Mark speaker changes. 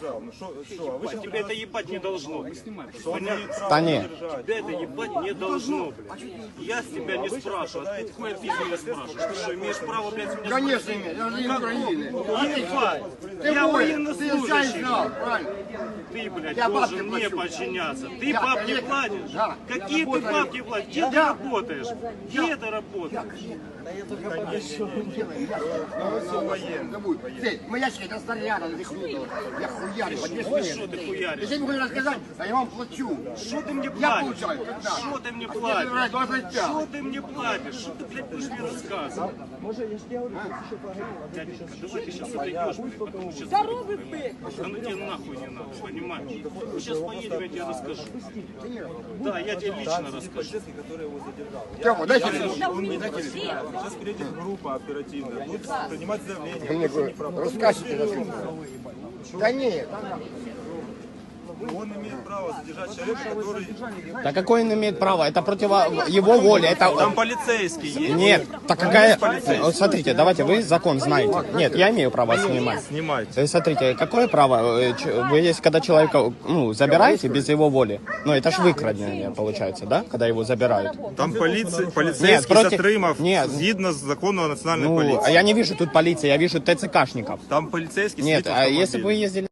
Speaker 1: сказал. Ну что, а вы сейчас...
Speaker 2: Тебе это ебать не должно.
Speaker 3: Да не.
Speaker 2: Тебя это ебать не должно, блядь. Я с тебя не спрашиваю. Откуда хуя ты меня спрашиваешь? Ты что, имеешь право, блядь, меня
Speaker 4: Конечно,
Speaker 2: спросить?
Speaker 4: нет, я же не Украины.
Speaker 2: Ебать!
Speaker 4: Ты
Speaker 2: Я
Speaker 4: воин,
Speaker 2: военнослужащий.
Speaker 4: ты знал, правильно?
Speaker 2: Ты, блядь,
Speaker 4: Я
Speaker 2: должен
Speaker 4: бабки
Speaker 2: мне
Speaker 4: плачу.
Speaker 2: подчиняться. Ты
Speaker 4: Я,
Speaker 2: бабки
Speaker 4: конечно,
Speaker 2: платишь?
Speaker 4: да.
Speaker 2: Какие
Speaker 4: Я
Speaker 2: ты
Speaker 4: работаю.
Speaker 2: бабки платишь? Где ты работаешь? Где ты работаешь?
Speaker 4: Мы ящики, это снаряда, я хуярю, по 2
Speaker 2: Ой, что ты хуяришь?
Speaker 4: Если вы хотите рассказать, а я вам плачу.
Speaker 2: Что ты мне
Speaker 4: Я
Speaker 2: платишь?
Speaker 4: получаю, когда?
Speaker 2: Что ты мне
Speaker 4: А тебе
Speaker 2: платишь?
Speaker 4: нравится 25.
Speaker 2: Что ты мне платишь? Что ты, блядь, будешь мне рассказывать? Дяденька, давай ты сейчас отойдешь, блядь, потому что...
Speaker 5: Здоровый ты!
Speaker 2: А ну тебе нахуй не надо, понимаешь? Мы сейчас поедем, я тебе расскажу. Да, я тебе лично расскажу.
Speaker 4: Тёма, дайте мне.
Speaker 1: Сейчас приедет группа оперативная, будет принимать заявление.
Speaker 4: Рассказывайте. Да нет.
Speaker 1: Он имеет право задержать человека, который...
Speaker 3: Да какой он имеет право? Это против его воли. Это...
Speaker 1: Там полицейский есть.
Speaker 3: Нет, так какая... Вот смотрите, давайте, вы закон знаете. Нет, я имею право снимать.
Speaker 1: Снимайте.
Speaker 3: Смотрите, какое право? Вы есть, когда человека забираете без его воли, ну это ж выкрадение получается, да? Когда его забирают.
Speaker 1: Там полицейский
Speaker 3: Нет, против-
Speaker 1: Сатримов,
Speaker 3: нет.
Speaker 1: згідно з закону о национальной
Speaker 3: Ну, а
Speaker 1: полиции.
Speaker 3: я не вижу тут полиции, я вижу ТЦКшников.
Speaker 1: Там полицейский
Speaker 3: Нет,
Speaker 1: сидит в
Speaker 3: а если бы вы
Speaker 1: автомобиле.
Speaker 3: ездили...